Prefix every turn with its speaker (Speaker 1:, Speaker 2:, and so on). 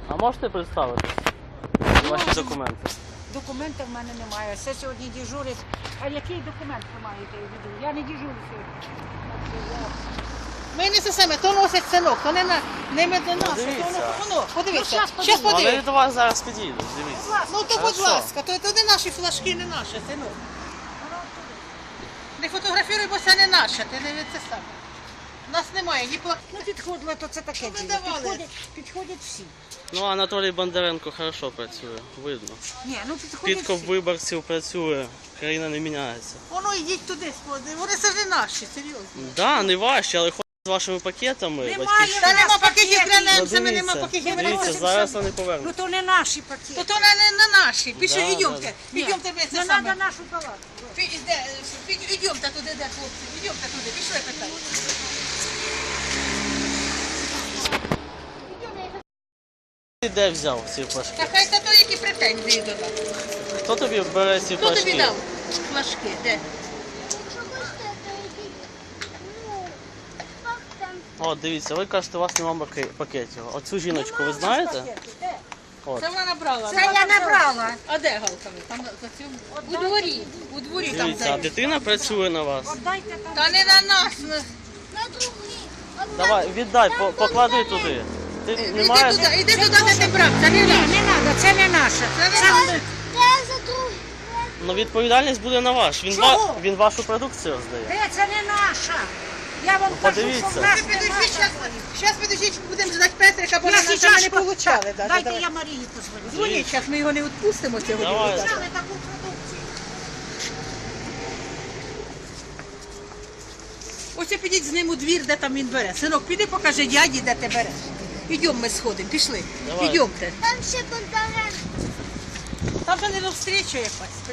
Speaker 1: А можете представитись? Ваші документи.
Speaker 2: Документів в мене немає. Все сьогодні дежурить. А який документ ви маєте в виду? Я не дежурю сьогодні. Ми не це саме, то носить синок, то не ми до нас, то
Speaker 1: Дивіться.
Speaker 2: воно. Подивіться. щас Щас
Speaker 1: Вони
Speaker 2: подивіться.
Speaker 1: до вас зараз підійдуть, дивіться.
Speaker 2: Ну то будь
Speaker 1: Хорошо.
Speaker 2: ласка, то не наші флажки, не наше, синок. Не фотографіруй, бо це не наше, ти не це саме. У нас немає ні плакатів. Ну підходили, то це таке діло. Підходять всі.
Speaker 1: Ну, Анатолій Бондаренко хорошо працює, видно.
Speaker 2: Ні, ну підходять
Speaker 1: Підкоп
Speaker 2: всі.
Speaker 1: виборців працює, країна не міняється.
Speaker 2: Воно йдіть туди, вони це ж не наші, серйозно.
Speaker 1: Да, не ваші, але ходять з вашими пакетами.
Speaker 2: Немає,
Speaker 1: батьківщини.
Speaker 2: та нема пакетів
Speaker 1: Ну,
Speaker 2: гранемцями, нема
Speaker 1: дивіться,
Speaker 2: пакетів
Speaker 1: дивіться,
Speaker 2: гранемцями.
Speaker 1: зараз вони повернуть.
Speaker 2: Ну то не наші пакети. То не наші. Пішли,
Speaker 1: Да,
Speaker 2: йдемте.
Speaker 1: да.
Speaker 2: Йдемте ми це
Speaker 3: Не
Speaker 2: саме.
Speaker 3: треба нашу палатку.
Speaker 2: Йдемте туди, де хлопці. Йдемте туди, пішли питання.
Speaker 1: Ти де взяв ці флажки?
Speaker 2: Та хай та то, які претензії до нас.
Speaker 1: Хто тобі бере ці
Speaker 2: Хто тобі
Speaker 1: флажки?
Speaker 2: дав флажки? Де?
Speaker 3: Якщо хочете, то йдіть. Ну, як там?
Speaker 1: О, дивіться, ви кажете, у вас немає пакетів. Оцю жіночку ви знаєте? От.
Speaker 2: Це вона набрала.
Speaker 3: Це я набрала.
Speaker 2: А де галками? Там за цьому? У дворі. У дворі там
Speaker 1: Дивіться, а
Speaker 2: де.
Speaker 1: дитина працює на вас.
Speaker 3: Дайте там.
Speaker 2: Та не на нас.
Speaker 3: На другий.
Speaker 1: Давай, віддай, поклади туди. Ти не маєш?
Speaker 2: Іди туди, де ти брав. Це не наш.
Speaker 3: Не треба, це не наше.
Speaker 2: Це не
Speaker 3: Це
Speaker 2: наш.
Speaker 3: Де за другий?
Speaker 1: Ну відповідальність буде на ваш.
Speaker 3: Чого?
Speaker 1: Він вашу продукцію роздає.
Speaker 3: Де це не наша? Я вам кажу,
Speaker 1: подивіться.
Speaker 3: що в нас
Speaker 2: Підожди,
Speaker 3: немає.
Speaker 2: зараз підождіть, будемо ждати Петрика, бо
Speaker 3: Я
Speaker 2: нам
Speaker 3: сейчас
Speaker 2: не получали.
Speaker 3: Дайте я Марії позвоню.
Speaker 2: Дзвоніть, зараз ми його не відпустимо сьогодні.
Speaker 1: Давай.
Speaker 2: будь ласка.
Speaker 3: Взяли таку продукцію.
Speaker 2: Ось підіть з ним у двір, де там він бере. Синок, піди покажи дяді, де ти береш. Ідемо ми сходимо, пішли.
Speaker 1: Давай.
Speaker 2: Ідемте.
Speaker 3: Там ще Бондаренко.
Speaker 2: Там же не до встречі якась.